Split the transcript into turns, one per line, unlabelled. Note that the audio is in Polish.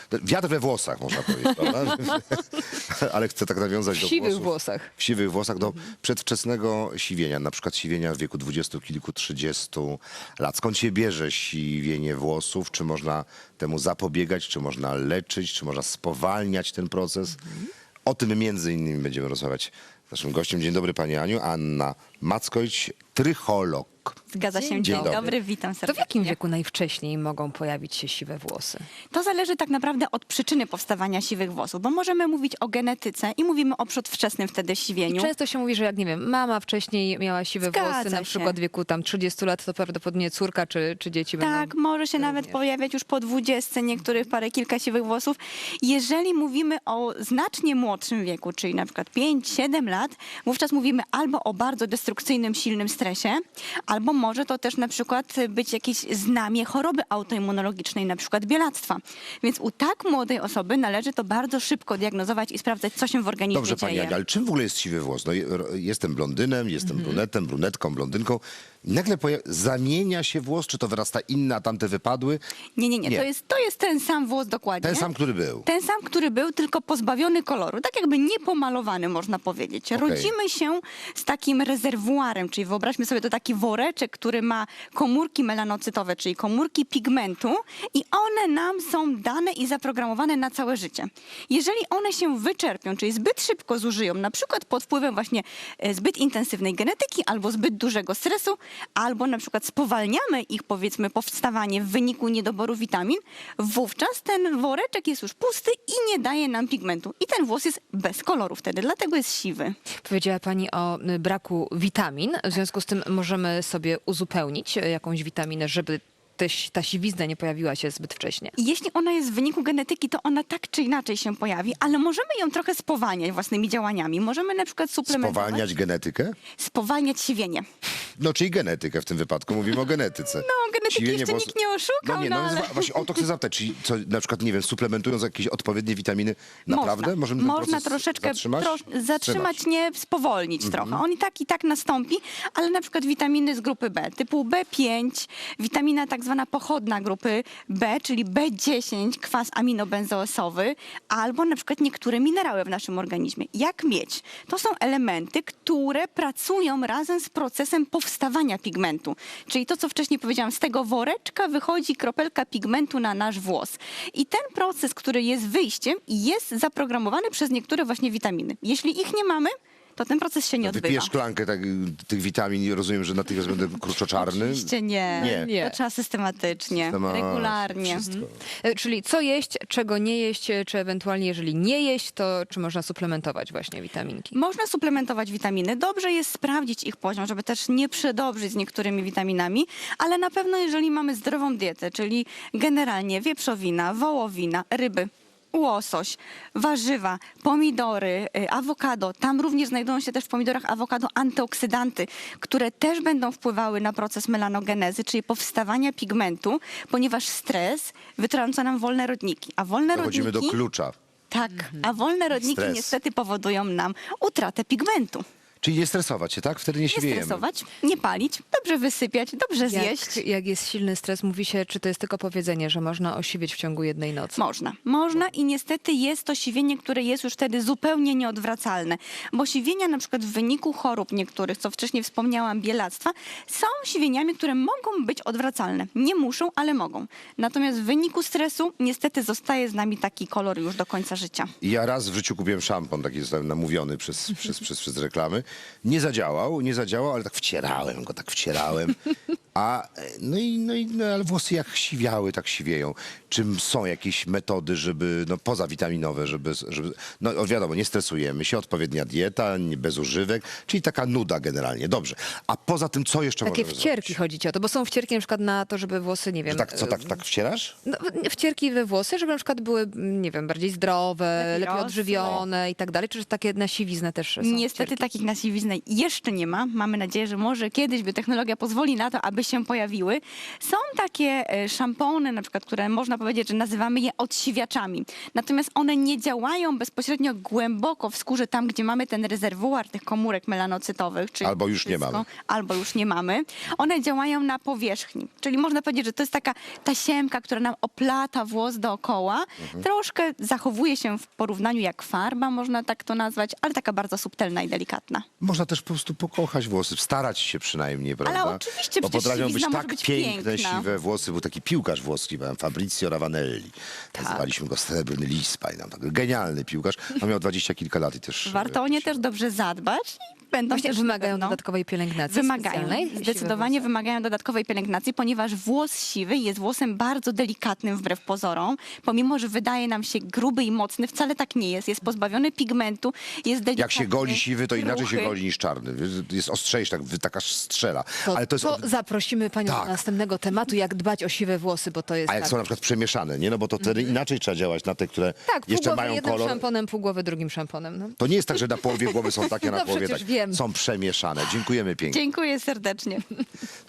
Wiatr we włosach, można powiedzieć, prawda? Ale chcę tak nawiązać do
W siwych
włosów.
włosach.
W siwych włosach do przedwczesnego siwienia, na przykład siwienia w wieku 20 kilku, 30 lat. Skąd się bierze siwienie włosów? Czy można temu zapobiegać? Czy można leczyć? Czy można spowalniać ten proces? O tym między innymi będziemy rozmawiać z naszym gościem. Dzień dobry pani Aniu. Anna Mackojć, trycholog.
Zgadza się.
Dzień
Dzień
dobry.
dobry, witam
To w
serdecznie.
jakim wieku najwcześniej mogą pojawić się siwe włosy?
To zależy tak naprawdę od przyczyny powstawania siwych włosów, bo możemy mówić o genetyce i mówimy o przedwczesnym wtedy siwieniu.
Często się mówi, że jak nie wiem, mama wcześniej miała siwe
Zgadza
włosy, na
się.
przykład w wieku tam 30 lat, to prawdopodobnie córka czy dzieci
Tak,
będą.
może się nawet
również.
pojawiać już po 20, niektórych parę, kilka siwych włosów. Jeżeli mówimy o znacznie młodszym wieku, czyli na przykład 5-7 lat, wówczas mówimy albo o bardzo destrukcyjnym, silnym stresie, albo może to też na przykład być jakieś znamie choroby autoimmunologicznej, na przykład bielactwa. Więc u tak młodej osoby należy to bardzo szybko diagnozować i sprawdzać, co się w organizmie
Dobrze pani
dzieje.
Aniu, ale czym w ogóle jest siwy włos? No, jestem blondynem, jestem brunetem, brunetką, blondynką. Nagle zamienia się włos, czy to wyrasta inny, a tamte wypadły?
Nie.
Nie.
To jest ten sam włos dokładnie.
Ten sam, który był.
Ten sam, który był, tylko pozbawiony koloru. Tak jakby niepomalowany, można powiedzieć. Rodzimy się z takim rezerwuarem, czyli wyobraźmy sobie to taki woreczek, który ma komórki melanocytowe, czyli komórki pigmentu i one nam są dane i zaprogramowane na całe życie. Jeżeli one się wyczerpią, czyli zbyt szybko zużyją, na przykład pod wpływem właśnie zbyt intensywnej genetyki albo zbyt dużego stresu, albo na przykład spowalniamy ich, powiedzmy, powstawanie w wyniku niedoboru witamin, wówczas ten woreczek jest już pusty i nie daje nam pigmentu. I ten włos jest bez koloru wtedy, dlatego jest siwy.
Powiedziała pani o braku witamin, w związku z tym możemy sobie uzupełnić jakąś witaminę, żeby ta siwizna nie pojawiła się zbyt wcześnie.
I jeśli ona jest w wyniku genetyki, to ona tak czy inaczej się pojawi, ale możemy ją trochę spowalniać własnymi działaniami. Możemy na przykład suplementować.
Spowalniać genetykę?
Spowalniać siwienie.
No, czyli genetykę w tym wypadku. Mówimy o genetyce.
No, genetyki
Siwienie
jeszcze
włosów-
nikt nie oszukał,
No nie,
no ale...
właśnie o to chcę zapytać. Czyli co, na przykład, nie wiem, suplementując jakieś odpowiednie witaminy, naprawdę możemy ten
Można
proces
troszeczkę
zatrzymać?
zatrzymać, nie spowolnić trochę. On i tak nastąpi, ale na przykład witaminy z grupy B, typu B5, witamina tak zwana pochodna grupy B, czyli B10, kwas aminobenzoesowy, albo na przykład niektóre minerały w naszym organizmie. Jak miedź. To są elementy, które pracują razem z procesem powstawania pigmentu. Czyli to, co wcześniej powiedziałam, z tego woreczka wychodzi kropelka pigmentu na nasz włos. I ten proces, który jest wyjściem, jest zaprogramowany przez niektóre właśnie witaminy. Jeśli ich nie mamy, to ten proces się nie odbywa.
Wypiję szklankę tych witamin i rozumiem, że natychmiast będę kruczoczarny.
Oczywiście nie.
Nie.
To trzeba systematycznie, regularnie.
Wszystko.
Czyli co jeść, czego nie jeść, czy ewentualnie jeżeli nie jeść, to czy można suplementować właśnie witaminki?
Można suplementować witaminy. Dobrze jest sprawdzić ich poziom, żeby też nie przedobrzyć z niektórymi witaminami, ale na pewno jeżeli mamy zdrową dietę, czyli generalnie wieprzowina, wołowina, ryby, łosoś, warzywa, pomidory, awokado. Tam również znajdują się też w pomidorach awokado antyoksydanty, które też będą wpływały na proces melanogenezy, czyli powstawania pigmentu, ponieważ stres wytrąca nam wolne rodniki. A wolne
Dochodzimy do
rodniki...
klucza.
Tak, a wolne rodniki
Stres.
niestety powodują nam utratę pigmentu.
Czyli nie stresować się, tak? Wtedy nie
Nie
siwiejemy.
stresować, nie palić, dobrze wysypiać, dobrze zjeść.
Jak jest silny stres, mówi się, czy to jest tylko powiedzenie, że można osiwieć w ciągu jednej nocy?
Można i niestety jest to siwienie, które jest już wtedy zupełnie nieodwracalne. Bo siwienia na przykład w wyniku chorób niektórych, co wcześniej wspomniałam, bielactwa, są siwieniami, które mogą być odwracalne. Nie muszą, ale mogą. Natomiast w wyniku stresu niestety zostaje z nami taki kolor już do końca życia.
Ja raz w życiu kupiłem szampon, taki zostałem namówiony przez reklamy. Nie zadziałał, ale tak wcierałem. Ale włosy jak siwiały, tak siwieją. Czym są jakieś metody, żeby, poza witaminowe, żeby wiadomo, nie stresujemy się, odpowiednia dieta, bez używek, czyli taka nuda generalnie. Dobrze. A poza tym, co jeszcze
Takie
możemy
wcierki
zrobić?
chodzi ci o to, bo są wcierki na przykład na to, żeby włosy, nie wiem...
Tak wcierasz?
No, wcierki we włosy, żeby na przykład były, nie wiem, bardziej zdrowe, lepiej
rosły.
odżywione i tak dalej, czy takie na siwiznę też są
Niestety
wcierki?
takich na siwiznę jeszcze nie ma. Mamy nadzieję, że może kiedyś by technologia pozwoli na to, aby się pojawiły. Są takie szampony, na przykład, które można powiedzieć, że nazywamy je odsiwiaczami. Natomiast one nie działają bezpośrednio głęboko w skórze, tam gdzie mamy ten rezerwuar tych komórek melanocytowych. Czyli
Albo już nie
wszystko,
mamy.
Albo już nie mamy. One działają na powierzchni. Czyli można powiedzieć, że to jest taka tasiemka, która nam oplata włos dookoła. Troszkę zachowuje się w porównaniu jak farba, można tak to nazwać, ale taka bardzo subtelna i delikatna.
Można też po prostu pokochać włosy, starać się przynajmniej, prawda?
oczywiście,
Bo
przecież
potrafią być
siwizna może
tak
być
piękne,
piękna.
siwe włosy. Był taki piłkarz włoski, Fabrizio Ravanelli. Nazywaliśmy go Srebrny Lis, pamiętam. Tak, genialny piłkarz. On miał 20 kilka lat i też...
Warto o nie też dobrze zadbać i będą
Właśnie
też
wymagają
na pewno-
dodatkowej pielęgnacji
Wymagają,
specjalnej? Siwe
zdecydowanie
włosy?
wymagają dodatkowej pielęgnacji, ponieważ włos siwy jest włosem bardzo delikatnym wbrew pozorom. Pomimo, że wydaje nam się gruby i mocny, wcale tak nie jest. Jest pozbawiony pigmentu, jest delikatny.
Jak się goli siwy, to inaczej się
ruchy.
goli niż czarny. Jest ostrzejszy, taka strzela.
To,
Ale to jest...
zaprosimy panią
Tak.
do następnego tematu, jak dbać o siwe włosy, bo to jest
A jak
tak.
są na przykład przemieszane, nie? No bo to wtedy inaczej trzeba działać na te, które
Tak, pół
jeszcze
głowy
mają
jednym
kolor.
szamponem, pół głowy drugim szamponem. No.
To nie jest tak, że na połowie głowy są takie, a na
No
połowie
przecież
tak.
wiem.
Są przemieszane. Dziękujemy pięknie.
Dziękuję serdecznie.